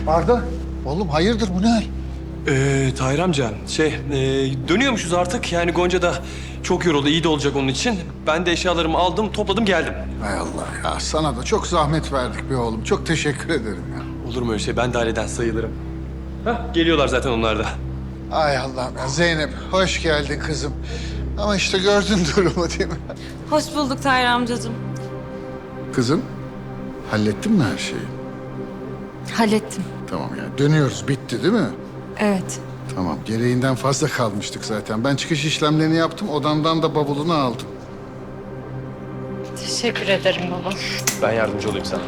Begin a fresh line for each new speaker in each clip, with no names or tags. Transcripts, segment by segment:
Arda, oğlum hayırdır bu ne hal?
Tahir amca, dönüyormuşuz artık. Yani Gonca da çok yoruldu, iyi de olacak onun için. Ben de eşyalarımı aldım, topladım, geldim.
Hay Allah ya, sana da çok zahmet verdik be oğlum. Çok teşekkür ederim ya.
Olur mu öyle şey? Ben de aileden sayılırım. Hah, geliyorlar zaten onlar da.
Ay Allah'ım ya. Zeynep, hoş geldin kızım. Ama işte gördün durumu değil mi?
Hoş bulduk Tahir amcacığım.
Kızım, hallettin mi her şeyi?
Hallettim.
Tamam ya, dönüyoruz. Bitti değil mi?
Evet.
Tamam, gereğinden fazla kalmıştık zaten. Ben çıkış işlemlerini yaptım, odamdan da bavulunu aldım.
Teşekkür ederim baba.
Ben yardımcı olayım sana.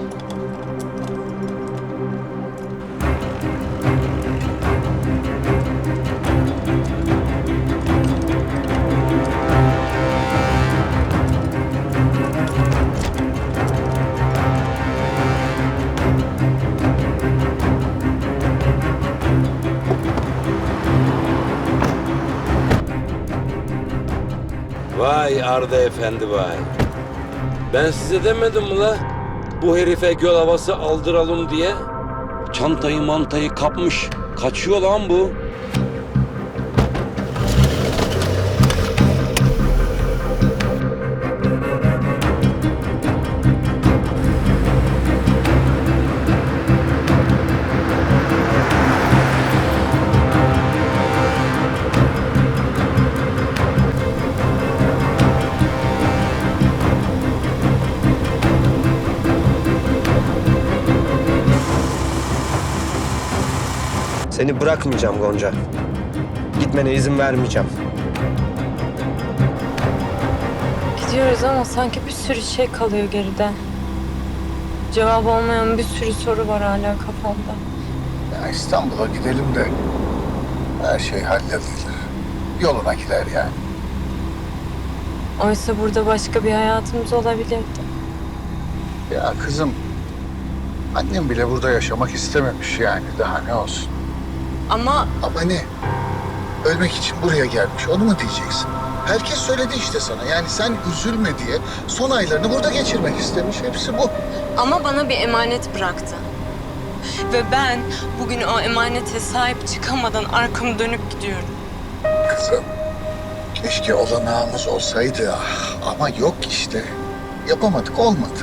Vay Arda Efendi vay. Ben size demedim mi la? Bu herife göl havası aldıralım diye. Çantayı mantayı kapmış. Kaçıyor lan bu.
Seni bırakmayacağım Gonca. Gitmene izin vermeyeceğim.
Gidiyoruz ama sanki bir sürü şey kalıyor geride. Cevap olmayan bir sürü soru var hala kafamda.
Ya İstanbul'a gidelim de her şey halledilir. Yoluna gider yani.
Oysa burada başka bir hayatımız olabilirdi.
Ya kızım, annem bile burada yaşamak istememiş yani. Daha ne olsun?
Ama
Ama ne? Ölmek için buraya gelmiş, onu mu diyeceksin? Herkes söyledi işte sana. Yani sen üzülme diye son aylarını burada geçirmek istemiş. Hepsi bu.
bana bir emanet bıraktı. Ve ben bugün o emanete sahip çıkamadan arkamı dönüp gidiyorum.
Kızım, keşke olanağımız olsaydı. Ama yok işte. Yapamadık, olmadı.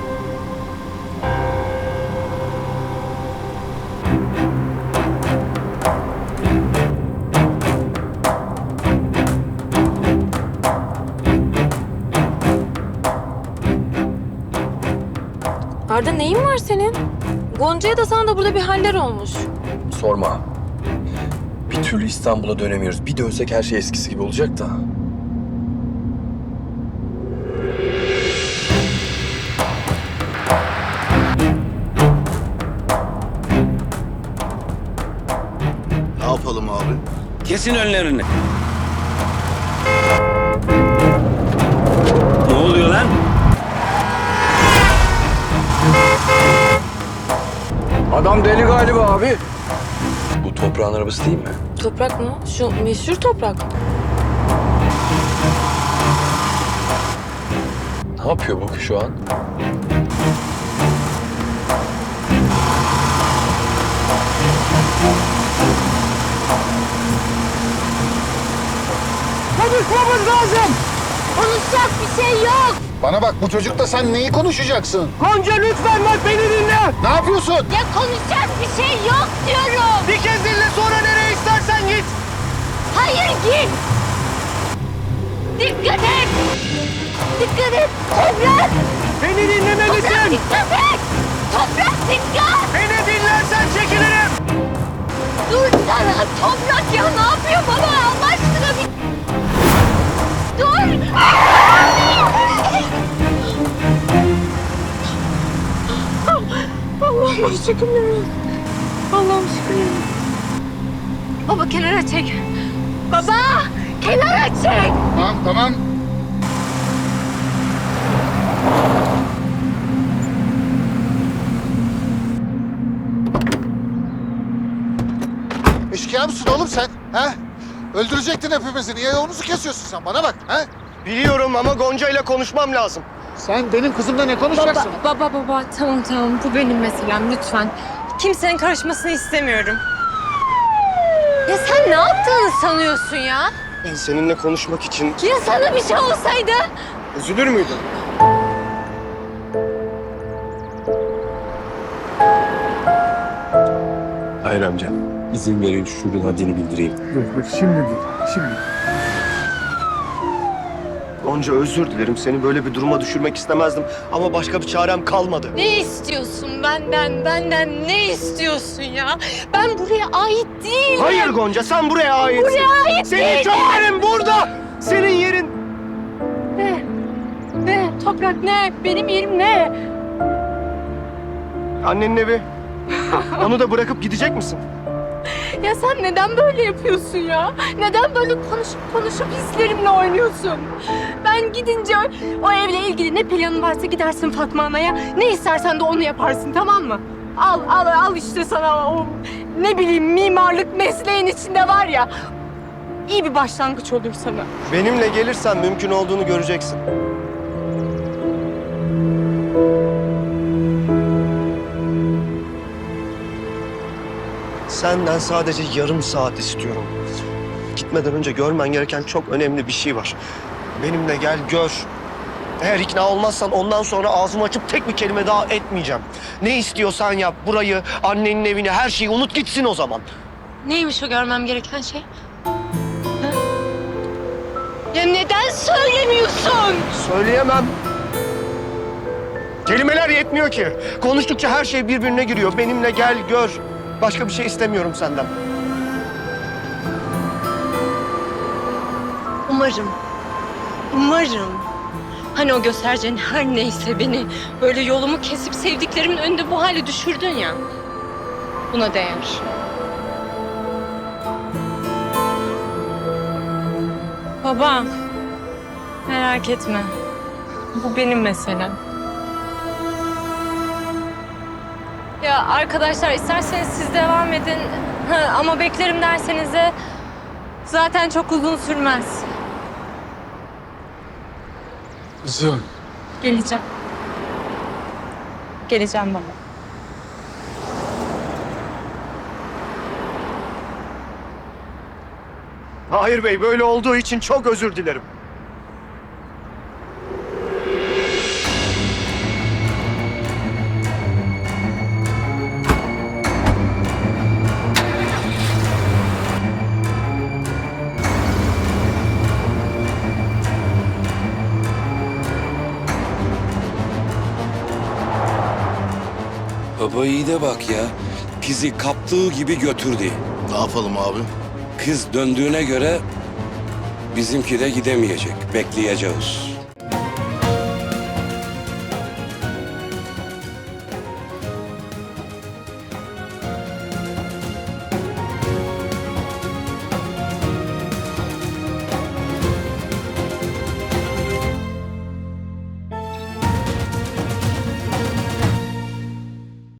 Arda neyin var senin? Gonca'ya da sana da burada bir haller olmuş.
Sorma. Bir türlü İstanbul'a dönemiyoruz. Bir dönsek her şey eskisi gibi olacak da.
Ne yapalım abi?
Kesin önlerini. Ne oluyor lan?
Adam deli galiba abi.
Bu toprağın arabası değil mi?
Toprak mı? Şu meşhur toprak.
Ne yapıyor bu şu an?
Konuşmamız lazım.
Konuşacak bir şey yok.
Bana bak, bu çocukla sen neyi konuşacaksın?
Gonca lütfen bak beni dinle.
Ne yapıyorsun?
Ya konuşacak bir şey yok diyorum.
Bir kez dinle sonra nereye istersen git.
Hayır git. Dikkat et. Dikkat et. Toprak.
Beni dinlemelisin.
Dikkat et. Toprak dikkat.
Beni dinlersen çekilirim.
Dur sana toprak ya ne yapıyor baba Allah aşkına bir... Dur. Allah'ım şükürler. Allah'ım şükürler. Baba kenara çek. Baba kenara çek.
Tamam, tamam. Eşkıya mısın oğlum sen? Ha? Öldürecektin hepimizi. Niye yolumuzu kesiyorsun sen? Bana bak. Ha?
Biliyorum ama Gonca ile konuşmam lazım.
Sen benim kızımla ne konuşacaksın?
Baba tamam bu benim meselem lütfen. Kimsenin karışmasını istemiyorum. Ya sen ne yaptığını sanıyorsun ya?
Ben seninle konuşmak için
Ya sana bir şey olsaydı?
üzülür müydün?
Hayır amca. İzin verin şunun haddini bildireyim.
Şimdi değil, şimdi.
Gonca özür dilerim. Seni böyle bir duruma düşürmek istemezdim. Ama başka bir çarem kalmadı.
Ne istiyorsun benden ne istiyorsun ya? Ben buraya ait değilim.
Hayır Gonca, sen buraya aitsin.
Buraya ait
Senin
değilim.
çok yerin burada. Senin yerin.
Ne? Toprak ne? Benim yerim ne?
Annenin evi. Onu da bırakıp gidecek misin?
Ya sen neden böyle yapıyorsun ya? Neden böyle konuşup hislerimle oynuyorsun? Ben gidince o evle ilgili ne planın varsa gidersin Fatma Ana'ya. Ne istersen de onu yaparsın, tamam mı? Al işte sana o ne bileyim mimarlık mesleğin içinde var ya. İyi bir başlangıç olur sana.
Benimle gelirsen mümkün olduğunu göreceksin. Senden sadece yarım saat istiyorum. Gitmeden önce görmen gereken çok önemli bir şey var. Benimle gel gör. Eğer ikna olmazsan ondan sonra ağzımı açıp tek bir kelime daha etmeyeceğim. Ne istiyorsan yap. Burayı, annenin evini, her şeyi unut gitsin o zaman.
Neymiş o görmem gereken şey? Ha? Ya neden söylemiyorsun?
Söyleyemem. Kelimeler yetmiyor ki. Konuştukça her şey birbirine giriyor. Benimle gel gör. Başka bir şey istemiyorum senden.
Umarım. Hani o göstereceğin her neyse beni böyle yolumu kesip sevdiklerimin önünde bu hale düşürdün ya. Buna değer. Baba, merak etme. Bu benim meselem. Ya arkadaşlar isterseniz siz devam edin. Ama beklerim derseniz de zaten çok uzun sürmez.
Kızım.
Geleceğim. Geleceğim baba.
Hayır Bey, böyle olduğu için çok özür dilerim.
Baba iyi de bak ya. Kızı kaptığı gibi götürdü.
Ne yapalım abi?
Kız döndüğüne göre bizimki de gidemeyecek. Bekleyeceğiz.